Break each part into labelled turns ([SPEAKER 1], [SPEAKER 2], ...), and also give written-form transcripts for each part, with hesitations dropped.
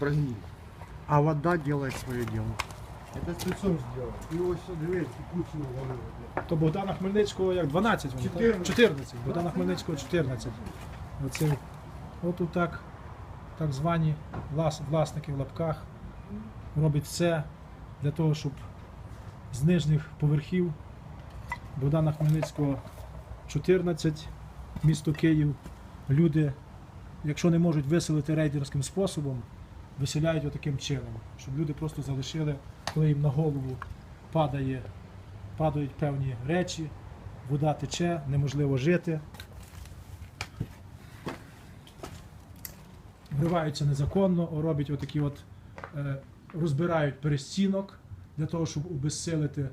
[SPEAKER 1] прогнил. А вода делает свое дело.
[SPEAKER 2] Это спецом сделано.
[SPEAKER 1] И ось дивись, кучу голови.
[SPEAKER 3] То Богдана Хмельницького як 12, воно, так?
[SPEAKER 1] 14.
[SPEAKER 3] 14. Богдана Хмельницького 14. Оце, отут так звані власники в лапках роблять все для того, щоб з нижніх поверхів Богдана Хмельницького 14, місто Київ, люди, якщо не можуть виселити рейдерським способом, виселяють отаким чином, щоб люди просто залишили, коли їм на голову падають певні речі, вода тече, неможливо жити. Вриваються незаконно, роблять отакі розбирають перестінок для того, щоб обезсилити,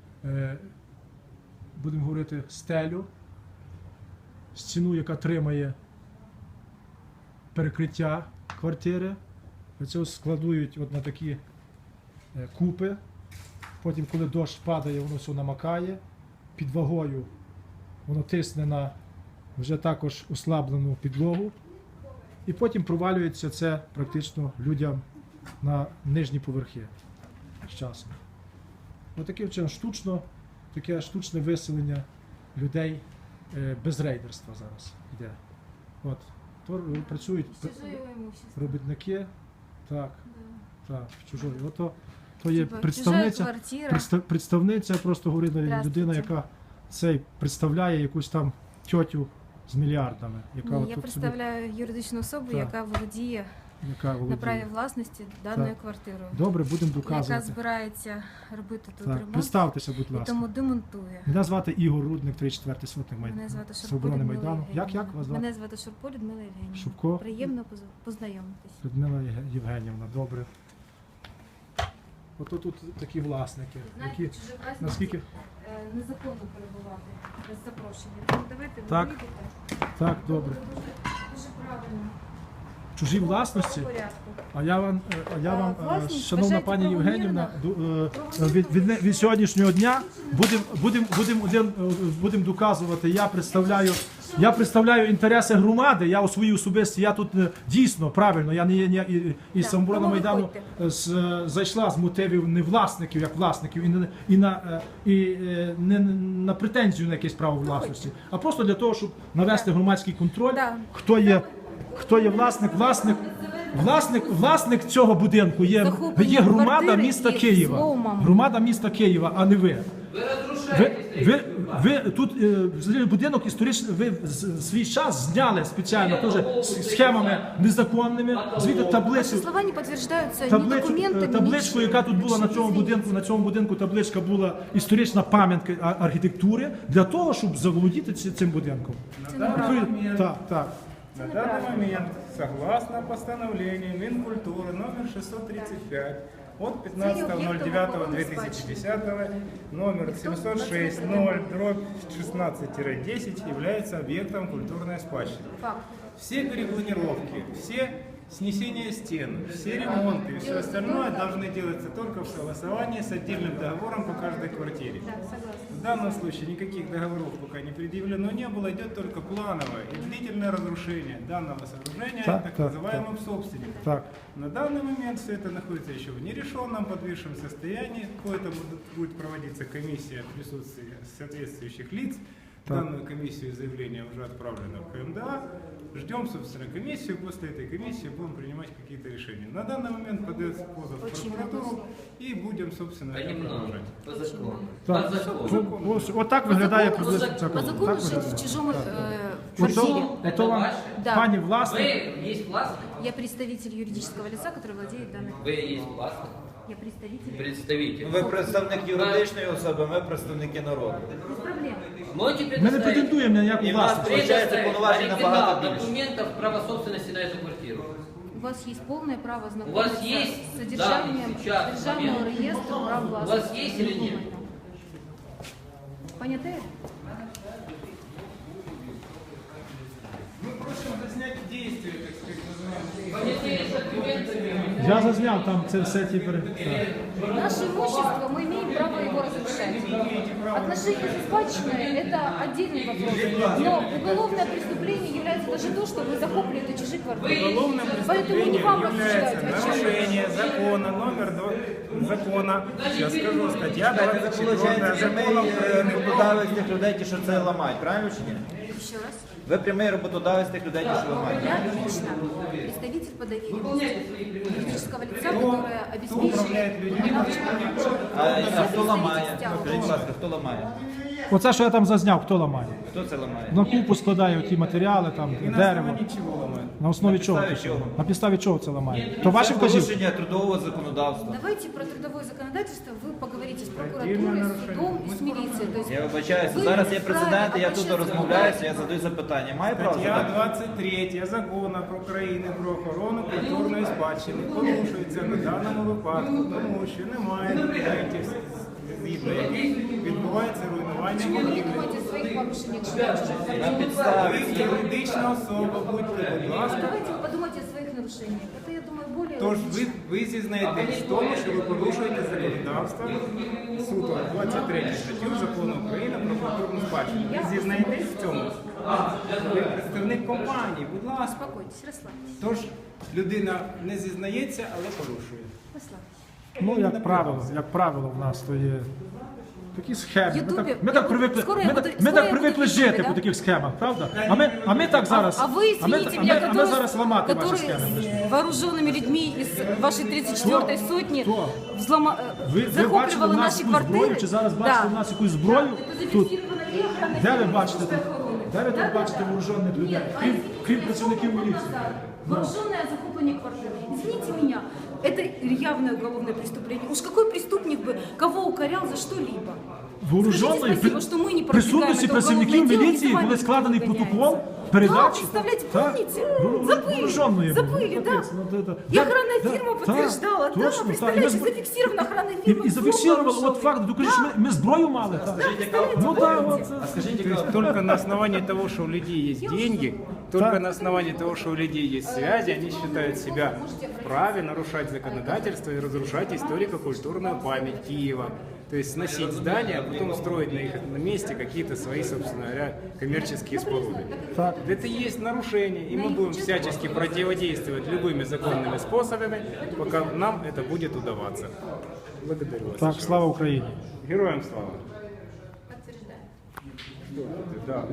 [SPEAKER 3] будемо говорити, стелю, стіну, яка тримає перекриття квартири. Оце складують на такі купи. Потім, коли дощ падає, воно все намакає. Під вагою воно тисне на вже також ослаблену підлогу. І потім провалюється це практично людям на нижні поверхи з часом. Отаким чином таке штучне виселення людей без рейдерства зараз йде. От. То працюють робітники, так, чужої. То є представниця, просто говорить людина, яка представляє якусь там тьотю з мільярдами.
[SPEAKER 4] Ні, я представляю юридичну особу, яка володіє на праві власності даною квартирою.
[SPEAKER 3] Добре, будемо доказувати.
[SPEAKER 4] Яка збирається робити тут ремонт.
[SPEAKER 3] Представтеся, будь ласка.
[SPEAKER 4] І тому демонтує.
[SPEAKER 3] Мене звати Ігор Рудник, 34-й сотник
[SPEAKER 4] Мене звати Шурпо
[SPEAKER 3] Свободи
[SPEAKER 4] Людмила
[SPEAKER 3] Майдану.
[SPEAKER 4] Євгенівна.
[SPEAKER 3] Як вас звати?
[SPEAKER 4] Мене звати Шурпо Людмила Євгенівна.
[SPEAKER 3] Шурпо?
[SPEAKER 4] Приємно познайомитись.
[SPEAKER 3] Людмила Євгенівна, добре. Ото тут такі власники, які наскільки...
[SPEAKER 4] Незаконно перебувати без запрошення. Тому давайте ви
[SPEAKER 3] Так.
[SPEAKER 4] вийдете.
[SPEAKER 3] Так, добре.
[SPEAKER 4] Дуже правильно.
[SPEAKER 3] Чужі власності?
[SPEAKER 4] В порядку.
[SPEAKER 3] А я вам,
[SPEAKER 4] Власність
[SPEAKER 3] шановна
[SPEAKER 4] вважається
[SPEAKER 3] пані Євгенівна, від сьогоднішнього дня будемо доказувати. Я представляю інтереси громади. Я у своїй особисті, я тут дійсно правильно. Я не і Самоборона Майдану зайшла з мотивів не власників, як власників, і не на претензію на якесь право власності, а просто для того, щоб навести громадський контроль. Хто є власник цього будинку є громада міста Києва. Громада міста Києва, а не ви. Ви тут будинок історичний, ви свій час зняли спеціально теж схемами незаконними, звідти табличку, яка тут була на цьому будинку, табличка була історична пам'ятка архітектури, для того, щоб заволодіти цим будинком. Так.
[SPEAKER 2] На данный момент, согласно постановлению Минкультуры номер 635 от 15.09.2010 номер 706-0/16-10 является объектом культурной спадщины. Все перепланировки, все снесение стен, все ремонты и все остальное должны делаться только в согласовании с отдельным договором по каждой квартире. В данном случае никаких договоров пока не предъявлено не было, идет только плановое и длительное разрушение данного сооружения так называемым собственником. На данный момент все это находится еще в нерешенном подвижном состоянии, какое-то будет проводиться комиссия в присутствии соответствующих лиц. Данную комиссию заявление уже отправлено в КМДА. Ждем, собственно, комиссию. После этой комиссии будем принимать какие-то решения. На данный момент подается позов в прокуратуру и будем, собственно, это продолжать.
[SPEAKER 3] Ось так виглядає приблизно ця
[SPEAKER 4] По закону жить в чужом квартире.
[SPEAKER 3] Это вам, пані власник?
[SPEAKER 5] Вы есть властник?
[SPEAKER 4] Я представитель юридического лица, который владеет данной.
[SPEAKER 5] Вы есть властник?
[SPEAKER 4] Я представитель.
[SPEAKER 5] Представитель.
[SPEAKER 6] Ви представник юридичної особи, ми представники народу.
[SPEAKER 4] Без проблем.
[SPEAKER 5] Можете
[SPEAKER 3] Ми не претендуємо на ніяку
[SPEAKER 6] І в нас
[SPEAKER 3] власність.
[SPEAKER 6] виходить повноважень набагато
[SPEAKER 5] оригинал
[SPEAKER 6] більше.
[SPEAKER 5] документов права собственности на эту квартиру.
[SPEAKER 4] У вас есть полное право
[SPEAKER 5] У вас
[SPEAKER 4] знакомиться
[SPEAKER 5] есть,
[SPEAKER 4] с содержанием
[SPEAKER 5] да, сейчас,
[SPEAKER 4] державного
[SPEAKER 5] момент.
[SPEAKER 4] реестра прав
[SPEAKER 5] У
[SPEAKER 4] властности.
[SPEAKER 5] вас есть или нет?
[SPEAKER 4] Понятые?
[SPEAKER 2] Мы просим заснять действия, так сказать, называемые.
[SPEAKER 5] Понятые с документами.
[SPEAKER 3] Я зазняв там це все ті
[SPEAKER 4] Наше имущество, мы имеем право его разрушать. Отношения с спадщиной – это отдельный вопрос. Но уголовное преступление является даже то, что вы захопли это чужие квартиры.
[SPEAKER 2] Уголовным
[SPEAKER 4] Поэтому не
[SPEAKER 2] преступлением
[SPEAKER 4] вам
[SPEAKER 2] является
[SPEAKER 4] рассуждать, о чем
[SPEAKER 2] нарушение закона, закона, сейчас скажу, статья
[SPEAKER 6] Це
[SPEAKER 2] 24
[SPEAKER 6] виходить,
[SPEAKER 2] закона
[SPEAKER 6] прямий
[SPEAKER 2] України.
[SPEAKER 6] роботодавець тих людей, ті, що це ламають, правильно чи ні?
[SPEAKER 4] Еще раз.
[SPEAKER 6] Ви прямий роботодавець тих людей, ті, що ламають.
[SPEAKER 4] Я лично представитель по доверенности юридического лица, которое обеспечивает
[SPEAKER 2] управляет людьми?
[SPEAKER 6] А хто ламає? Скажіть, будь ласка, хто ламає?
[SPEAKER 3] Оце, що я там зазняв, хто ламає?
[SPEAKER 6] Хто це ламає?
[SPEAKER 3] На купу складає ті матеріали, там,
[SPEAKER 2] И на
[SPEAKER 3] дерево.
[SPEAKER 2] основании чего ломают?
[SPEAKER 3] На основі чого?
[SPEAKER 6] підставі
[SPEAKER 3] це?
[SPEAKER 6] чого?
[SPEAKER 3] На підставі чого це ламає? То ваші
[SPEAKER 6] Це
[SPEAKER 3] вказівки?
[SPEAKER 6] порушення трудового законодавства.
[SPEAKER 4] Давайте про трудовое законодательство вы поговорите с прокуратурой, с судом и с милицией. То есть
[SPEAKER 6] Я вибачаюся,
[SPEAKER 4] ви
[SPEAKER 6] зараз є
[SPEAKER 4] вправі
[SPEAKER 6] прецедент, я тут
[SPEAKER 4] обращатися
[SPEAKER 6] розмовляюся,
[SPEAKER 4] до
[SPEAKER 6] я задаю запитання. Маю право
[SPEAKER 2] Стаття
[SPEAKER 6] задати?
[SPEAKER 2] 23 закону України про охорону культурної спадщини порушується на даному випадку, тому що немає документів, згідно яких відбувається руйнування
[SPEAKER 4] Почему вы не
[SPEAKER 2] будівлі.
[SPEAKER 4] думаете о своих порушениях? Что
[SPEAKER 6] На підставі.
[SPEAKER 2] Ви юридична особа, будьте, будь ласка.
[SPEAKER 4] Давайте вы подумайте о своих нарушениях. Это, я думаю, более...
[SPEAKER 2] Тож ви зізнаєтесь в тому, що ви порушуєте законодавство суто 23 статтю Закону України про культурну спадщину. Ви зізнаєтесь в цьому? Ви представник компанії, будь ласка.
[SPEAKER 4] Успокойтесь, расслабьтесь.
[SPEAKER 2] Тож людина не зізнається, але порушує.
[SPEAKER 4] Расслабьтесь.
[SPEAKER 3] Ну, як правило, в нас то є такі схеми.
[SPEAKER 4] Ютубі-
[SPEAKER 3] Ми так привикли,
[SPEAKER 4] скоро я буду-
[SPEAKER 3] ми
[SPEAKER 4] скоро
[SPEAKER 3] так
[SPEAKER 4] я
[SPEAKER 3] привикли
[SPEAKER 4] буду в
[SPEAKER 3] жити
[SPEAKER 4] Ютубі,
[SPEAKER 3] по
[SPEAKER 4] да?
[SPEAKER 3] таких схемах, правда? А ми так зараз,
[SPEAKER 4] А вы, извините меня,
[SPEAKER 3] а ми зараз ламати ваші схеми.
[SPEAKER 4] с вооруженными людьми из вашей 34-й сотни
[SPEAKER 3] Кто? Ви бачили
[SPEAKER 4] захоплювала
[SPEAKER 3] в нас
[SPEAKER 4] наши
[SPEAKER 3] якусь зброю,
[SPEAKER 4] квартиры?
[SPEAKER 3] чи зараз бачите в нас якусь зброю?
[SPEAKER 4] Это
[SPEAKER 3] Тут.
[SPEAKER 4] зафиксировано и охраной
[SPEAKER 3] Де ви
[SPEAKER 4] фирмы
[SPEAKER 3] бачите тут?
[SPEAKER 4] охороны.
[SPEAKER 3] Де ви тут бачите вооружених людей? Крім працівників міліції.
[SPEAKER 4] Вооруженное захопление квартиры. Извините меня, это явное уголовное преступление. Уж какой преступник бы кого укорял за что-либо?
[SPEAKER 3] Вооруженої
[SPEAKER 4] Скажите спасибо, что мы не
[SPEAKER 3] присутності
[SPEAKER 4] продвигаем это
[SPEAKER 3] працівників
[SPEAKER 4] уголовное дело,
[SPEAKER 3] міліції
[SPEAKER 4] и с вами
[SPEAKER 3] були складений
[SPEAKER 4] никто не
[SPEAKER 3] протокол
[SPEAKER 4] гоняется.
[SPEAKER 3] передачі.
[SPEAKER 4] Да, представляете, помните?
[SPEAKER 3] Вооруженої
[SPEAKER 4] Забыли, да. И охранная фирма подтверждала, да, представляете, зафиксирована охранная фирма.
[SPEAKER 3] І зафіксували,
[SPEAKER 4] взлом
[SPEAKER 3] от факт, докажи, що ми зброю мали. так. Ну так, от.
[SPEAKER 2] То есть только на основании того, что у людей есть деньги, только на основании того, что у людей есть связи, они считают себя вправе нарушать законодательство и разрушать историко-культурную память Киева. То есть сносить здания, а потом строить на их на месте какие-то свои, собственно говоря, коммерческие споруды.
[SPEAKER 3] Так.
[SPEAKER 2] Это и есть нарушение, и мы будем всячески противодействовать любыми законными способами, пока нам это будет удаваться. Благодарю вас.
[SPEAKER 3] Так, слава Україні.
[SPEAKER 2] Героям слава.
[SPEAKER 4] Подтверждаю.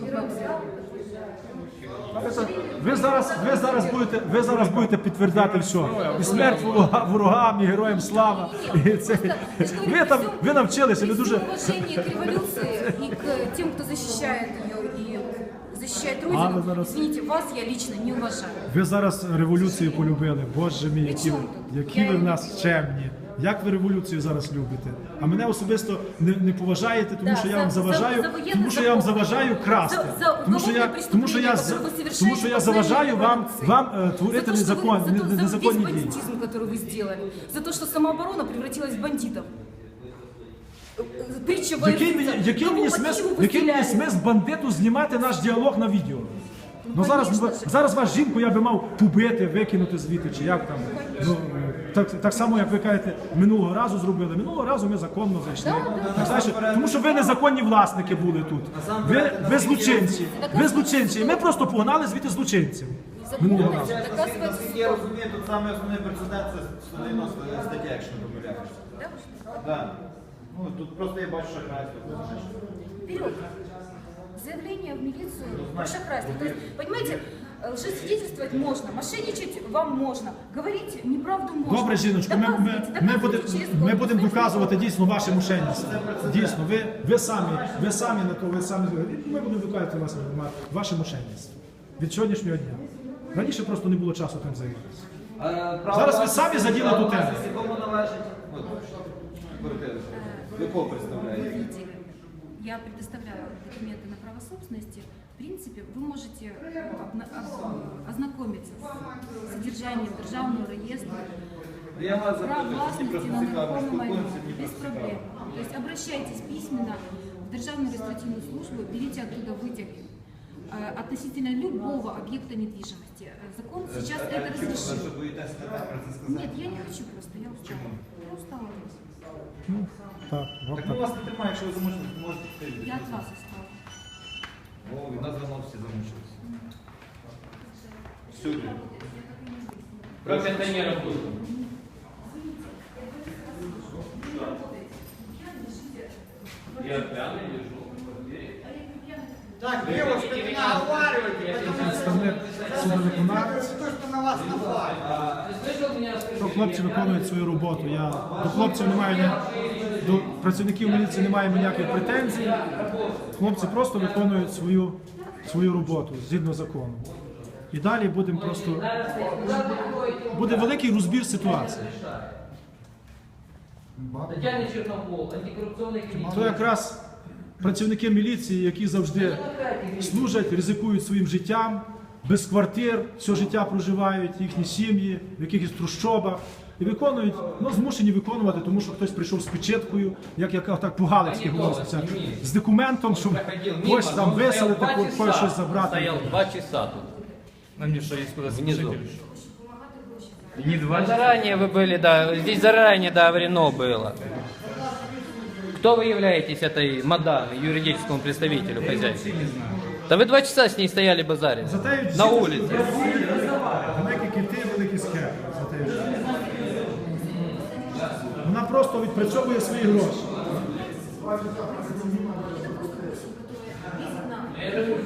[SPEAKER 2] Да.
[SPEAKER 3] Ви зараз будете підтвердати все. І смерть ворогам, і героям слава. І це. Ви навчилися, ви дуже.
[SPEAKER 4] При всем уважении к революции и к тем, кто защищает ее и защищает
[SPEAKER 3] Анна
[SPEAKER 4] Родину,
[SPEAKER 3] зараз-
[SPEAKER 4] извините, вас я лично не уважаю.
[SPEAKER 3] Ви зараз революцію полюбили. Боже мій, які ви в нас чемні. Як ви революцію зараз любите? А мене особисто не поважаєте, тому
[SPEAKER 4] Да,
[SPEAKER 3] що я вам
[SPEAKER 4] за
[SPEAKER 3] заважаю,
[SPEAKER 4] воєнне
[SPEAKER 3] тому що я вам
[SPEAKER 4] захоплення.
[SPEAKER 3] заважаю красти.
[SPEAKER 4] За
[SPEAKER 3] Тому що я
[SPEAKER 4] преступлення, яке ви совершаєте
[SPEAKER 3] тому що я
[SPEAKER 4] по
[SPEAKER 3] заважаю
[SPEAKER 4] своїй
[SPEAKER 3] вам
[SPEAKER 4] революції.
[SPEAKER 3] творити
[SPEAKER 4] за весь
[SPEAKER 3] незаконні дії.
[SPEAKER 4] бандитизм, который вы сделали, за то, что самооборона превратилась в бандитов. Притча
[SPEAKER 3] Який
[SPEAKER 4] воевница.
[SPEAKER 3] який
[SPEAKER 4] Кому
[SPEAKER 3] мені
[SPEAKER 4] по
[SPEAKER 3] смисл,
[SPEAKER 4] Киеву
[SPEAKER 3] який мені
[SPEAKER 4] постреляли?
[SPEAKER 3] смисл бандиту знімати наш діалог на відео? Ну
[SPEAKER 4] конечно ж.
[SPEAKER 3] зараз вас жінку я би мав побити, викинути звідти, чи як там. Ну, так само, як ви кажете, минулого разу зробили. Минулого разу ми законно зайшли. Так, знаєш, тому що ви незаконні власники були тут. Ви злочинці. Ви злочинці. І ми просто погнали звідти злочинців. Минулого разу.
[SPEAKER 4] Законность доказывается
[SPEAKER 6] Наскільки я розумію, тут саме основний прецедент це 190 стаття, якщо не помиляюсь. Да. Ну, тут просто я бачу шахрайство.
[SPEAKER 4] вперед. Заявление в милицию про шахрайство. То есть, понимаете, лжесвидетельствовать можно, мошенничать вам можно, говорить неправду можно.
[SPEAKER 3] Добре, жіночко,
[SPEAKER 4] Доказывайте через
[SPEAKER 3] ми будемо
[SPEAKER 4] суд.
[SPEAKER 3] доказувати дійсно ваше мошенництво. Дійсно, ви самі на то, ви самі. Ми будемо доказувати ваше мошенництво. Від сьогоднішнього дня. Раніше просто не було часу тим займатися. Зараз ви самі заділи ту тему.
[SPEAKER 6] Кому належить? От, квартира. Ви кого представляєте?
[SPEAKER 4] Видите, я предоставляю документы на право собственности. В принципе, вы можете ознакомиться с содержанием державного реестра,
[SPEAKER 6] Я вас
[SPEAKER 4] прав
[SPEAKER 6] запитую, мені
[SPEAKER 4] власности
[SPEAKER 6] просто
[SPEAKER 4] на
[SPEAKER 6] цікаво,
[SPEAKER 4] нерухомый майно.
[SPEAKER 6] спілкуємося, мені
[SPEAKER 4] Без
[SPEAKER 6] просто
[SPEAKER 4] проблем.
[SPEAKER 6] цікаво.
[SPEAKER 4] То есть обращайтесь письменно в Державную регистрационную службу, берите оттуда вытяги относительно любого объекта недвижимости. Закон сейчас это разрешил.
[SPEAKER 6] Ви боїтеся тепер про це сказати?
[SPEAKER 4] Нет, я не хочу просто, я устала. Я устала.
[SPEAKER 3] Так, от
[SPEAKER 6] Так
[SPEAKER 3] так.
[SPEAKER 6] ми вас не тримаємо, якщо ви замучені, можете піти.
[SPEAKER 4] Я от вас устала.
[SPEAKER 6] О, від нас давно всі замучилися. Всюди.
[SPEAKER 5] Про пенсионеров будет.
[SPEAKER 3] то хлопці виконують свою роботу. Я до хлопців не маю до працівників міліції не маю ніяких претензій. Хлопці просто виконують свою роботу згідно закону. І далі буде великий розбір ситуації.
[SPEAKER 5] Татьяна Черновол, антикоррупционный комитет.
[SPEAKER 3] То якраз працівники міліції, які завжди служать, ризикують своїм життям, без квартир, все життя проживають, їхні сім'ї, в якихось трущобах. І виконують, змушені виконувати, тому що хтось прийшов з печеткою, як так по-галицьки говориться, з документом, щоб когось там виселити, когось щось забрати.
[SPEAKER 5] Стоял 2 часа тут.
[SPEAKER 7] А мне что, есть куда
[SPEAKER 5] Внизу.
[SPEAKER 7] Не 2
[SPEAKER 8] Заранее вы были, да, здесь заранее договорено было. Кто вы являетесь этой мадам, юридическому представителю хозяйства? Да вы 2 часа с ней стояли базарить на улице.
[SPEAKER 3] Великі кити, великі схеми. Вона просто відпрацьовує свої гроші.